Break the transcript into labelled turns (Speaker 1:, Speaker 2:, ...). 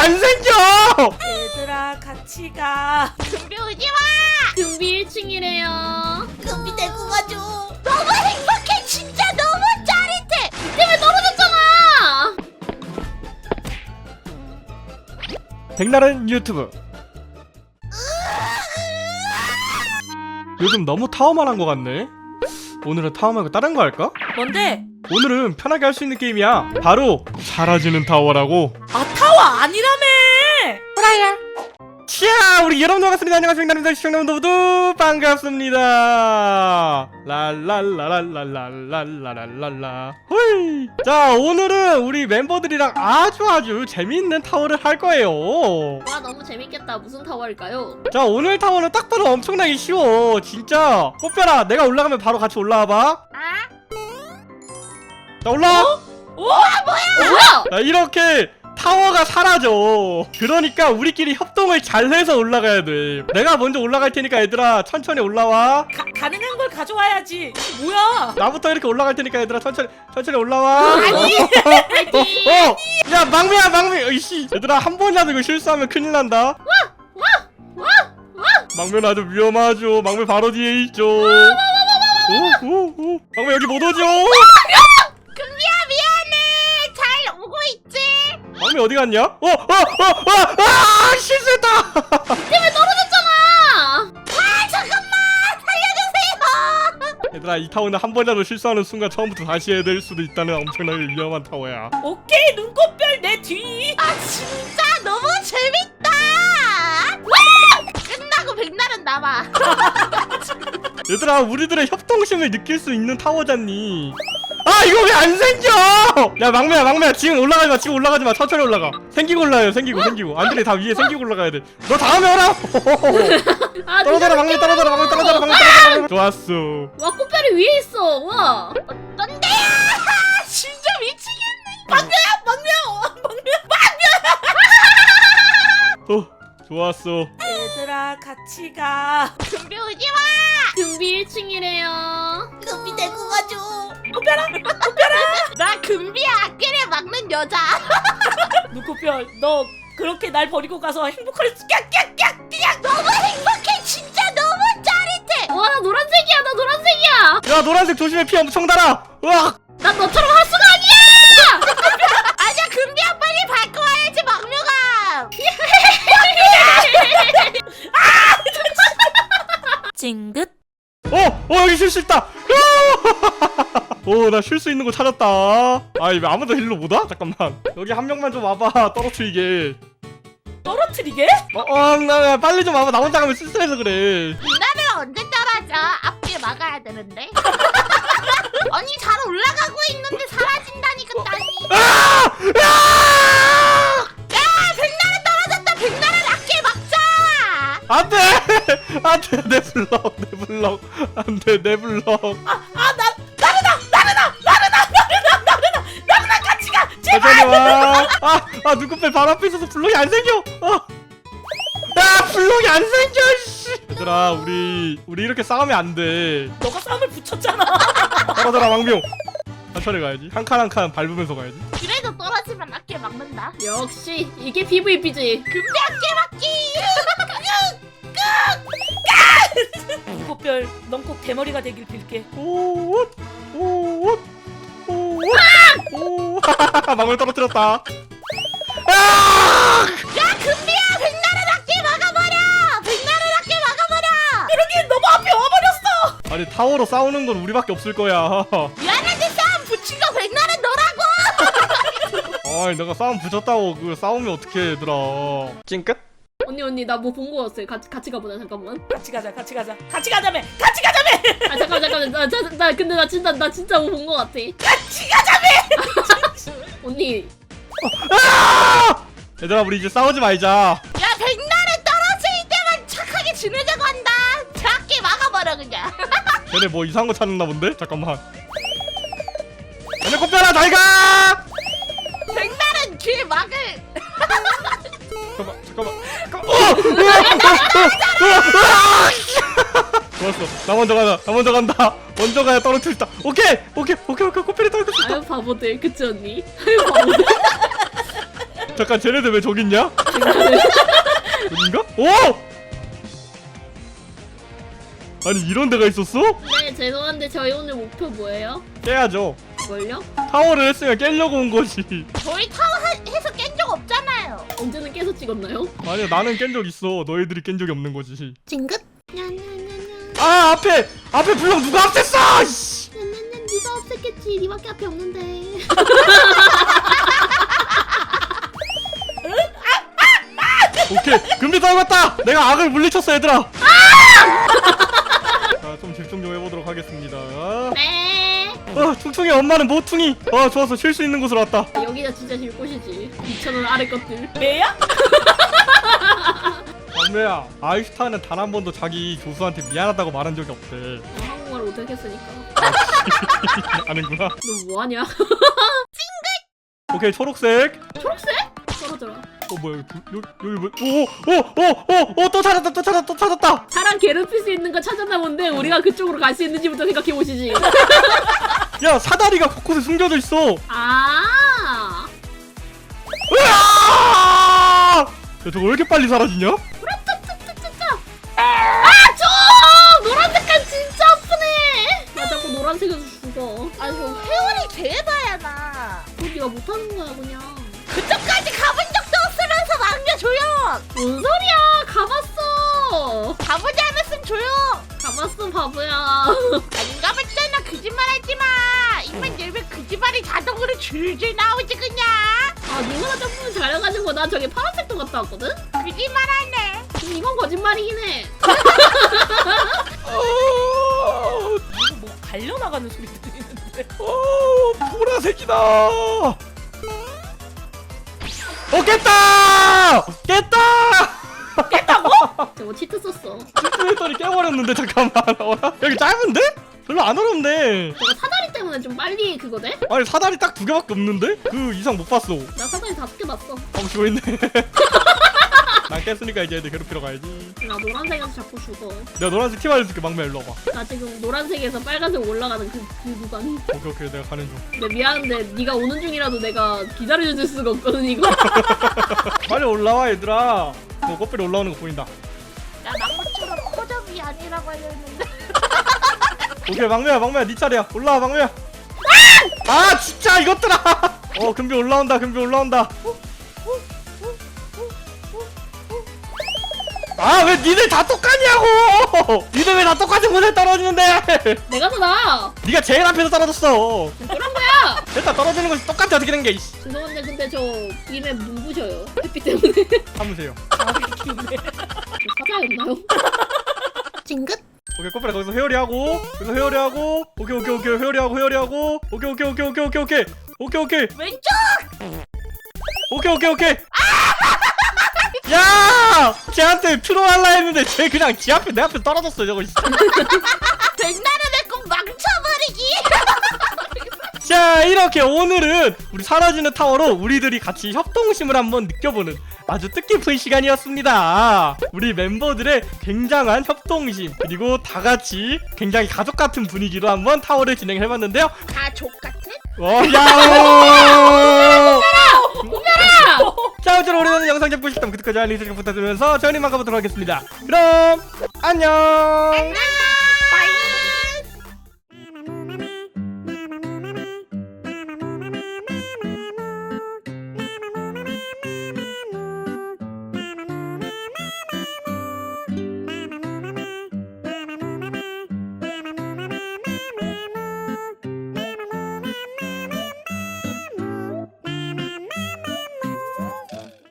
Speaker 1: 안 생겨!
Speaker 2: 얘들아 같이 가.
Speaker 3: 금비 오지마.
Speaker 4: 금비 1층이래요.
Speaker 3: 금비 데리고 가줘. 너무 행복해. 진짜 너무 짜릿해.
Speaker 4: 때문에 떨어졌잖아.
Speaker 1: 백날은 유튜브. 요즘 너무 타워만 한 것 같네. 오늘은 타워 말고 다른 거 할까?
Speaker 2: 뭔데?
Speaker 1: 오늘은 편하게 할 수 있는 게임이야. 바로 사라지는 타워라고.
Speaker 2: 아 타워 아니라며.
Speaker 1: 자, 우리 여러분 반갑습니다. 안녕하세요. 백날입니다. 시청자분들 모두 반갑습니다. 랄랄라랄랄랄랄랄랄라. 호이. 자, 오늘은 우리 멤버들이랑 아주 재미있는 타워를 할 거예요.
Speaker 4: 와 너무 재밌겠다. 무슨 타워일까요?
Speaker 1: 자, 오늘 타워는 딱 봐도 엄청나게 쉬워. 진짜. 꽃별아, 내가 올라가면 바로 같이 올라와봐. 자, 올라와.
Speaker 4: 뭐야?
Speaker 1: 자, 이렇게 타워가 사라져. 그러니까 우리끼리 협동을 잘 해서 올라가야 돼. 내가 먼저 올라갈 테니까 얘들아 천천히 올라와.
Speaker 2: 가능한 걸 가져와야지. 뭐야?
Speaker 1: 나부터 이렇게 올라갈 테니까 얘들아 천천히 올라와.
Speaker 4: 아니.
Speaker 1: 야, 막미야. 이씨. 얘들아 한 번이라도 이거 실수하면 큰일 난다. 막면 아주 위험하죠. 막면 바로 뒤에 있죠. 오. 막면 여기 못 오죠.
Speaker 3: 금비야 미안해. 잘 오고 있지?
Speaker 1: 막면 어디 갔냐? 실수했다.
Speaker 4: 때문에 떨어졌잖아.
Speaker 3: 잠깐만 살려주세요.
Speaker 1: 얘들아 이 타워는 한 번이라도 실수하는 순간 처음부터 다시 해야 될 수도 있다는 엄청나게 위험한 타워야.
Speaker 2: 오케이 눈꽃별 내 뒤.
Speaker 3: 아 진짜 너무 재밌다. 끝나고 백날은 남아.
Speaker 1: 얘들아 우리들의 협동심을 느낄 수 있는 타워잖니. 아 이거 왜 안 생겨? 야 막매야 지금 올라가지 마 천천히 올라가. 생기고 올라요. 생기고 안들이 다 위에 생기고 올라가야 돼. 너 다음에 오라. 떨어져라 막매 떨어져라. 좋았어.
Speaker 4: 와 꽃별이 위에 있어. 와.
Speaker 3: 넌데야. 진짜 미치겠네.
Speaker 1: 좋았어.
Speaker 2: 얘들아 같이 가.
Speaker 3: 금비 오지마.
Speaker 4: 금비 1층이래요.
Speaker 3: 금비 데리고 가줘. 나 금비야 악기를 막는 여자.
Speaker 2: 눈꽃별 너 그렇게 날 버리고 가서 행복할 수.
Speaker 3: 너무 행복해. 진짜 너무 짜릿해.
Speaker 4: 와 나 노란색이야.
Speaker 1: 야 노란색 조심해. 피 엄청 달아. 으악.
Speaker 4: 난 너처럼 핫수가 아니야.
Speaker 3: 아니야 금비야 빨리 밟고 와야지 막류가.
Speaker 2: 찡긋.
Speaker 1: 여기 쉴 수 있다. 나 쉴 수 있는 거 찾았다. 왜 아무도 힐로 못 와? 잠깐만. 여기 한 명만 좀 와봐. 떨어뜨리게.
Speaker 2: 떨어뜨리게?
Speaker 1: 나 빨리 좀 와봐. 나 혼자 가면 쓸쓸해서 그래.
Speaker 3: 나를 언제 따라져? 앞길 막아야 되는데. 아니 잘 올라가고 있는데 사라진다니까 땅이. 야 백날은 떨어졌다. 백날은 앞길 막자.
Speaker 1: 안돼. 내 블럭. 안돼 내 블럭.
Speaker 2: 나르나 같이 가.
Speaker 1: 천천히 와. 눈곱배 바로 앞에 있어서 블럭이 안 생겨. 블럭이 안 생겨. 씨. 얘들아 우리 이렇게 싸우면 안 돼.
Speaker 2: 너가 싸움을 붙였잖아.
Speaker 1: 떨어져라 왕병. 천천히 가야지. 한 칸 한 칸 밟으면서 가야지.
Speaker 3: 그래도 떨어지면 앞길 막는다.
Speaker 4: 역시 이게 PVP지.
Speaker 3: 금비 앞길 막기.
Speaker 2: 눈꽃별 넌 꼭 대머리가 되길 빌게.
Speaker 1: 오. 망을 떨어뜨렸다.
Speaker 3: 야 금비야 백날은 앞길 막아버려.
Speaker 2: 그러기엔 너무 앞에 와버렸어.
Speaker 1: 아니 타워로 싸우는 건 우리밖에 없을 거야.
Speaker 3: 미안한데 싸움 붙이고 백날은 너라고.
Speaker 1: 내가 싸움 붙였다고 그거 싸우면 어떡해 얘들아. 찡끗?
Speaker 4: 언니 나 뭐 본 거 같아. 같이 가보자. 잠깐만.
Speaker 2: 같이 가자며.
Speaker 4: 아 잠깐만. 나 근데 나 진짜 뭐 본 거 같아.
Speaker 2: 같이 가자며.
Speaker 4: 언니.
Speaker 1: 얘들아 우리 이제 싸우지 말자.
Speaker 3: 야 백날은 떨어질 때만 착하게 지내자고 한다. 작게 막아버려 그냥.
Speaker 1: 쟤네 뭐 이상한 거 찾았나 본데? 잠깐만. 얘네 꽃별아 잘 가!
Speaker 3: 백날은 길 막을.
Speaker 1: 잠깐만. 좋았어. 나 먼저 간다. 먼저 가야 떨어뜨렸다. 오케이. 꽃별이 떨어뜨렸다.
Speaker 4: 아유 바보들. 그치 언니? 아유 바보들.
Speaker 1: 잠깐 쟤네들 왜 저기 있냐? 여긴가? 오! 아니 이런 데가 있었어?
Speaker 4: 네 죄송한데 저희 오늘 목표 뭐예요?
Speaker 1: 깨야죠.
Speaker 4: 뭘요?
Speaker 1: 타워를 했으면 깨려고 온 거지.
Speaker 3: 저희 타워 해서 깬 적 없잖아요.
Speaker 4: 언제는 깨서 찍었나요?
Speaker 1: 아니야 나는 깬 적 있어. 너희들이 깬 적이 없는 거지.
Speaker 3: 징긋.
Speaker 1: 아 앞에 블럭 누가 앞댔어! 씨.
Speaker 4: 네가 없앴겠지. 니밖에 앞에 없는데.
Speaker 1: 오케이 금비 떨궜다. 내가 악을 물리쳤어 얘들아. 자, 좀 집중 좀 해보도록 하겠습니다.
Speaker 4: 네.
Speaker 1: 퉁퉁이 엄마는 모퉁이. 좋았어 쉴 수 있는 곳으로 왔다.
Speaker 4: 여기가 진짜 질 곳이지. 2,000원 아래 것들.
Speaker 2: 매야?
Speaker 1: 막내야 아이슈타는 단 한 번도 자기 조수한테 미안하다고 말한 적이 없대.
Speaker 4: 한국말을 못하겠으니까.
Speaker 1: 아는구나.
Speaker 4: 너 뭐하냐?
Speaker 1: 오케이 초록색.
Speaker 4: 초록색? 떨어져라.
Speaker 1: 뭐야 여기 뭐? 오또 찾았다.
Speaker 4: 사람 괴롭힐 수 있는 거 찾았나 본데 우리가 그쪽으로 갈 수 있는지부터 생각해 보시지.
Speaker 1: 야 사다리가 곳곳에 숨겨져 있어.
Speaker 4: 아.
Speaker 1: 으아! 야 저거 왜 이렇게 빨리 사라지냐?
Speaker 4: 좀! 노란색깔 진짜 아프네. 나 자꾸 노란색에서 죽어.
Speaker 3: 아니 저 회원이 제발야 나.
Speaker 4: 네가 못하는 거야 그냥.
Speaker 3: 그쪽까지 가본 적도 없으면서 막내 조용.
Speaker 4: 뭔 소리야? 가봤어.
Speaker 3: 가보지 않았으면 조용.
Speaker 4: 가봤어 바보야.
Speaker 3: 안 가봤잖아. 거짓말하지 마. 입만 열면 거짓말이 자동으로 줄줄 나오지 그냥.
Speaker 4: 아 니가 점프는 잘해가지고 난 저기 파란색도 갔다 왔거든?
Speaker 3: 거짓말하네.
Speaker 4: 이건 거짓말이긴 해.
Speaker 2: 이거 뭐 갈려나가는 소리 들리는데.
Speaker 1: 보라색이다. 깼다.
Speaker 4: 저거 치트 썼어.
Speaker 1: 했더니 깨버렸는데 잠깐만. 여기 짧은데? 별로 안 어렵네.
Speaker 4: 저거 사다리 때문에 좀 빨리 그거 돼?
Speaker 1: 아니 사다리 딱 2개밖에 없는데? 그 이상 못 봤어.
Speaker 4: 나 사다리 5개 봤어.
Speaker 1: 지고 있네. 난 깼으니까 이제 애들 괴롭히러 가야지.
Speaker 4: 나 노란색에서 자꾸 죽어.
Speaker 1: 내가 노란색 팀 알려줄게. 막내 일로 와봐.
Speaker 4: 나 지금 노란색에서 빨간색 올라가는 그 구간.
Speaker 1: 오케이 내가 가는 중.
Speaker 4: 근데 미안한데 네가 오는 중이라도 내가 기다려줄 수가 없거든 이거.
Speaker 1: 빨리 올라와 얘들아. 너 꽃별이 올라오는 거 보인다.
Speaker 3: 나 막무처럼 코접이 아니라고 하려는데.
Speaker 1: 오케이 막내야 네 차례야. 올라와 막내야. 아 진짜 이것들아. 금비 올라온다. 아 왜 니들 다 똑같냐고. 니들 왜 다 똑같은 곳에 떨어지는데.
Speaker 4: 내가 더 나아.
Speaker 1: 니가 제일 앞에서 떨어졌어.
Speaker 4: 그런 거야.
Speaker 1: 일단 떨어지는 것이 똑같아. 어떻게 된 게.
Speaker 4: 죄송한데 근데 저 입에 눈부셔요. 햇빛 때문에.
Speaker 1: 참으세요.
Speaker 4: 사자였나요?
Speaker 3: 징긋.
Speaker 1: 오케이 꽃별아 거기서 회오리하고. 오케이 회오리하고. 오케이
Speaker 3: 왼쪽.
Speaker 1: 오케이. 야! 쟤한테 필요할라 했는데 쟤 그냥 지 앞에 내 앞에 떨어졌어 저거.
Speaker 3: 백날을 맺고 망쳐버리기.
Speaker 1: 자 이렇게 오늘은 우리 사라지는 타워로 우리들이 같이 협동심을 한번 느껴보는 아주 뜻깊은 시간이었습니다. 우리 멤버들의 굉장한 협동심 그리고 다같이 굉장히 가족같은 분위기로 한번 타워를 진행해봤는데요.
Speaker 3: 가족 같은?
Speaker 1: 야옹! 자 어쨌든 오늘은 영상 잡고 싶다면 구독과 좋아요 알림 설정 부탁드리면서 저희는 가보도록 하겠습니다. 그럼 안녕.
Speaker 3: 안녕.